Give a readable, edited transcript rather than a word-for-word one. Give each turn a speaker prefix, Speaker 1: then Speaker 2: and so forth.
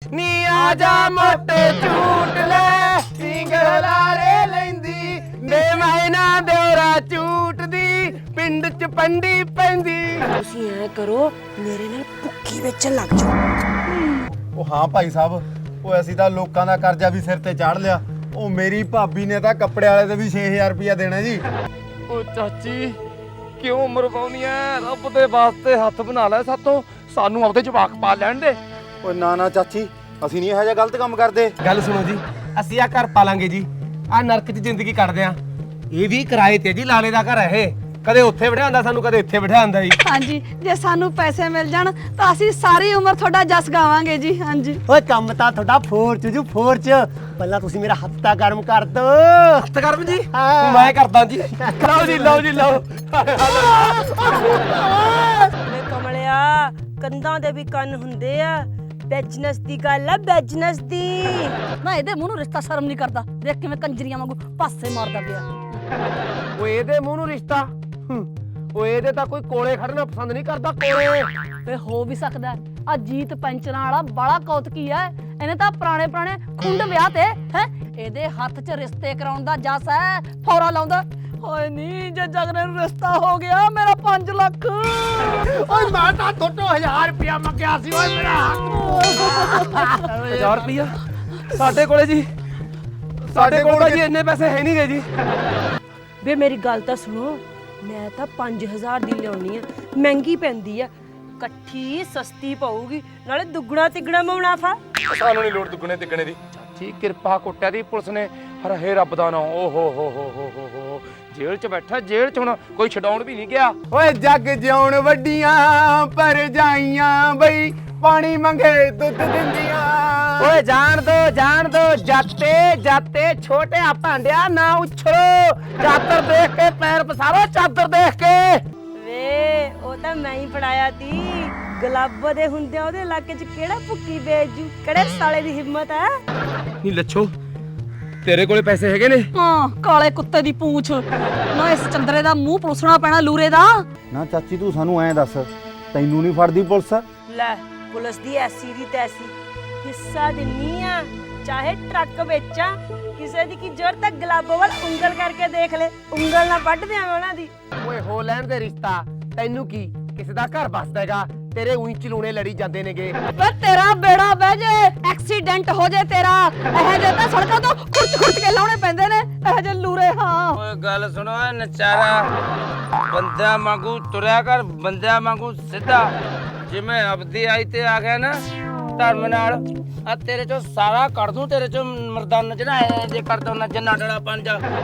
Speaker 1: ਨੀ ਆ ਜਾ ਮੋਟੇ ਝੂਟ ਲੈ ਸਿੰਗਲਾਰੇ ਲੈਂਦੀ ਦੇ ਮੈਨਾ ਦਿਉਰਾ ਝੂਟਦੀ ਪਿੰਡ ਚ ਪੰਡੀ ਪੈਂਦੀ।
Speaker 2: ਤੁਸੀਂ ਐ ਕਰੋ ਮੇਰੇ ਨਾਲ ਭੁੱਕੀ ਵੇਚਣ ਲੱਗ ਜਾਓ।
Speaker 3: ਉਹ ਹਾਂ ਭਾਈ ਸਾਹਿਬ, ਉਹ ਅਸੀਂ ਤਾਂ ਲੋਕਾਂ ਦਾ ਕਰਜ਼ਾ ਵੀ ਸਿਰ ਤੇ ਚਾੜ ਲਿਆ। ਉਹ ਮੇਰੀ ਭਾਬੀ ਨੇ ਤਾਂ ਕੱਪੜੇ ਵਾਲੇ ਤੇ ਵੀ 6000 ਰੁਪਇਆ ਦੇਣਾ ਜੀ।
Speaker 1: ਓ ਚਾਚੀ ਕਿਉਂ ਮਰਵਾਉਣੀ ਐ? ਰੱਬ ਦੇ ਵਾਸਤੇ ਹੱਥ ਬਣਾ ਲੈ ਸਾਤੋਂ, ਸਾਨੂੰ ਆਪਦੇ ਜਵਾਕ ਪਾ ਲੈਣ ਦੇ।
Speaker 3: ਓਏ ਨਾ ਨਾ ਚਾਚੀ, ਅਸੀਂ ਨਹੀਂ ਇਹੋ ਜਿਹਾ ਗਲਤ ਕੰਮ ਕਰਦੇ।
Speaker 1: ਗੱਲ ਸੁਣੋ ਜੀ, ਅਸੀਂ ਆ ਘਰ ਪਾਲਾਂਗੇ ਜੀ, ਆ ਨਰਕ 'ਚ ਜ਼ਿੰਦਗੀ ਕੱਟਦੇ ਆ। ਇਹ ਵੀ ਕਿਰਾਏ ਤੇ ਜੀ, ਲਾਲੇ ਦਾ ਘਰ ਹੈ ਇਹ। ਕਦੇ ਉੱਥੇ ਬਿਠਾਉਂਦਾ ਸਾਨੂੰ, ਕਦੇ ਇੱਥੇ ਬਿਠਾਉਂਦਾ ਜੀ।
Speaker 4: ਹਾਂਜੀ, ਜੇ ਸਾਨੂੰ ਪੈਸੇ ਮਿਲ ਜਾਣ ਤਾਂ ਅਸੀਂ ਸਾਰੀ ਉਮਰ ਤੁਹਾਡਾ ਜਸ ਗਾਵਾਂਗੇ ਜੀ। ਹਾਂਜੀ
Speaker 5: ਓਏ ਕੰਮ ਤਾਂ ਤੁਹਾਡਾ ਫੋਰ ਚ ਜੂ ਫੋਰ ਚ। ਪਹਿਲਾਂ ਤੁਸੀਂ ਮੇਰਾ ਹੱਥ ਗਰਮ ਕਰ ਦੋ।
Speaker 1: ਹੱਥ ਕਰਮ ਜੀ,
Speaker 5: ਹਾਂ।
Speaker 1: ਮੈਂ ਕਰਦਾ ਜੀ। ਲਓ ਜੀ, ਲਓ ਜੀ, ਲਓ।
Speaker 2: ਵੇ ਕਮਲਿਆ, ਕੰਧਾਂ ਦੇ ਵੀ ਕੰਨ ਹੁੰਦੇ ਆ। ਬਿਜ਼ਨਸ ਦੀ ਗੱਲ ਆ, ਬਿਜ਼ਨਸ ਦੀ।
Speaker 4: ਨਾ ਇਹਦੇ ਮੂੰਹ ਨੂੰ ਰਿਸ਼ਤਾ ਸ਼ਰਮ ਨਹੀਂ ਕਰਦਾ। ਦੇਖ ਕਿਵੇਂ ਕੰਜਰੀਆਂ ਵਾਂਗੂ ਪਾਸੇ ਮਾਰਦਾ ਪਿਆ।
Speaker 1: ਓਏ ਇਹਦੇ ਮੂੰਹ ਨੂੰ ਰਿਸ਼ਤਾ, ਓਏ ਇਹਦੇ ਤਾਂ ਕੋਈ ਕੋਲੇ ਖੜਨਾ ਪਸੰਦ ਨਹੀਂ ਕਰਦਾ। ਕੋਲੇ
Speaker 4: ਵੇ ਹੋ ਵੀ ਸਕਦਾ ਆ ਜੀਤ ਪੈਂਚਰਾਂ ਵਾਲਾ ਬੜਾ ਕੌਤਕੀ ਐ। ਇਹਨੇ ਤਾਂ ਪੁਰਾਣੇ ਖੁੰਡ ਵਿਆਹ ਤੇ ਹੈ ਇਹਦੇ ਹੱਥ 'ਚ ਰਿਸ਼ਤੇ ਕਰਾਉਣ ਦਾ ਜਸ ਐ। ਫੌਰਾ ਲਾਉਂਦਾ, ਓਏ ਨਹੀਂ ਜੇ ਜਗਨੇ ਨੂੰ ਰਿਸ਼ਤਾ ਹੋ ਗਿਆ ਮੇਰਾ 5 ਲੱਖ।
Speaker 1: ਓਏ ਮੈਂ ਤਾਂ ਤੁਹਾਡੇ 1000 ਰੁਪਇਆ ਮੰਗਿਆ ਸੀ। ਓਏ ਮੇਰਾ ਹੱਥ 1000 ਰੁਪਇਆ ਸਾਡੇ ਕੋਲੇ ਜੀ, ਸਾਡੇ ਕੋਲ ਜੀ ਇੰਨੇ ਪੈਸੇ ਹੈ ਨਹੀਂ ਗਏ ਜੀ।
Speaker 2: ਵੇ ਮੇਰੀ ਗੱਲ ਤਾਂ ਸੁਣੋ, ਮੈਂ ਤਾਂ 5000 ਦੀ ਲਿਆਉਣੀ ਆ। ਮਹਿੰਗੀ ਪੈਂਦੀ ਆ, ਇਕੱਠੀ ਸਸਤੀ ਪਊਗੀ, ਨਾਲੇ ਦੁੱਗਣਾ ਤਿੱਗਣਾ ਮੁਨਾਫਾ।
Speaker 1: ਸਾਨੂੰ ਨਹੀਂ ਲੋੜ ਦੁੱਗਣੇ ਤਿੱਗਣੇ ਦੀ। ਚਾਚੀ ਕਿਰਪਾ ਕੁੱਟਿਆ ਦੀ ਪੁਲਿਸ ਨੇ। ਹਰੇ ਰੱਬ ਦਾ ਨਾਮ। ਓ ਹੋ ਜੇਲ੍ਹ 'ਚ ਬੈਠਾ, ਜੇਲ੍ਹ 'ਚ ਹੁਣ ਕੋਈ ਛਡਾਉਣ ਵੀ ਨਹੀਂ ਗਿਆ। ਓਏ ਜੱਗ ਜਿਉਣ ਵੱਡੀਆਂ ਪਰ ਜਾਈਆਂ ਬਈ, ਪਾਣੀ ਮੰਗੇ ਦੁੱਧ ਦਿੰਦੀਆਂ। ਓਏ ਜਾਣ ਦੋ ਜਾਤੇ ਜਾਤੇ ਛੋਟਿਆ ਭਾਂਡਿਆ ਨਾ ਉਛਲੋ। ਚਾਦਰ ਦੇਖ ਕੇ ਪੈਰ ਪਸਾਰੋ, ਚਾਦਰ ਦੇਖ ਕੇ।
Speaker 2: ਵੇ ਉਹ ਤਾਂ ਮੈਂ ਹੀ ਫੜਾਇਆ ਤੀ। ਗੁਲਾਬੋ ਦੇ ਹੁੰਦਿਆਂ ਉਹਦੇ ਇਲਾਕੇ 'ਚ ਕਿਹੜਾ ਭੁੱਕੀ ਵੇਚੂ? ਕਿਹੜੇ ਸਾਲੇ ਦੀ ਹਿੰਮਤ ਹੈ?
Speaker 1: ਨਹੀਂ ਲੱਛੋ, ਤੇਰੇ ਕੋਲੇ ਪੈਸੇ ਹੈਗੇ ਨੇ?
Speaker 4: ਹਾਂ, ਕਾਲੇ ਕੁੱਤੇ ਦੀ ਪੂੰਛ। ਨਾ ਇਸ ਚੰਦਰੇ ਦਾ ਮੂੰਹ ਪਲੋਸਣਾ ਪੈਣਾ ਲੂਰੇ ਦਾ।
Speaker 3: ਨਾ ਚਾਚੀ ਤੂੰ ਸਾਨੂੰ ਐਂ ਦੱਸ, ਤੈਨੂੰ ਨਹੀਂ ਫੜਦੀ ਪੁਲਿਸ?
Speaker 2: ਲੈ, ਪੁਲਿਸ ਦੀ ਐਸੀ ਦੀ ਤੈਸੀ ਹਿੱਸਾ ਦਿੰਨੀ ਆ, ਚਾਹੇ ਟਰੱਕ ਵੇਚਾਂ। ਕਿਸੇ ਦੀ ਕੀ ਜ਼ਰੂਰਤ ਹੈ ਗੁਲਾਬੋ ਵੱਲ ਉਂਗਲ ਕਰਕੇ ਦੇਖ ਲੈ। ਉਂਗਲ ਨਾ ਵੱਢ ਦਿਆਂ ਉਹਨਾਂ ਦੀ।
Speaker 1: ਓਏ ਹੋ ਲੈਣ ਦੇ ਰਿਸ਼ਤਾ, ਤੈਨੂੰ ਕੀ ਕਿਸੇ ਦਾ ਘਰ ਬਸਦਾ ਹੈਗਾ? ਤੇਰੇ ਉਹੀ ਚਲੂਣੇ ਲੜੀ ਜਾਂਦੇ ਨੇਗੇ।
Speaker 4: ਵੇ ਤੇਰਾ ਬੇੜਾ ਬਹਿ ਜੇ, ਐਕਸੀਡੈਂਟ ਹੋ ਜੇ ਤੇਰਾ। ਇਹ ਜੇ ਤਾਂ ਸੜਕਾਂ ਤੋਂ ਖੁਰਚ ਕੇ ਲਾਉਣੇ ਪੈਂਦੇ ਨੇ ਇਹ ਜੇ ਲੂਰੇ। ਹਾਂ
Speaker 6: ਓਏ ਗੱਲ ਸੁਣੋ ਏ ਨਚਾਰਾ, ਬੰਦਿਆਂ ਵਾਂਗੂ ਤੁਰਿਆ ਕਰ, ਬੰਦਿਆਂ ਵਾਂਗੂ ਸਿੱਧਾ। ਜਿਵੇਂ ਅਬਦੀ ਆਈ ਤੇ ਆ ਗਿਆ ਨਾ ਧਰਮ ਨਾਲ, ਆ ਤੇਰੇ ਚੋਂ ਸਾਰਾ ਕੱਢ ਦੂੰ। ਤੇਰੇ ਚੋਂ ਮਰਦਾਨ ਨਚਣਾ ਜੇ ਕਰ ਦੋ ਨੱਚਣ ਨਾਟਣਾ ਪੰਜ।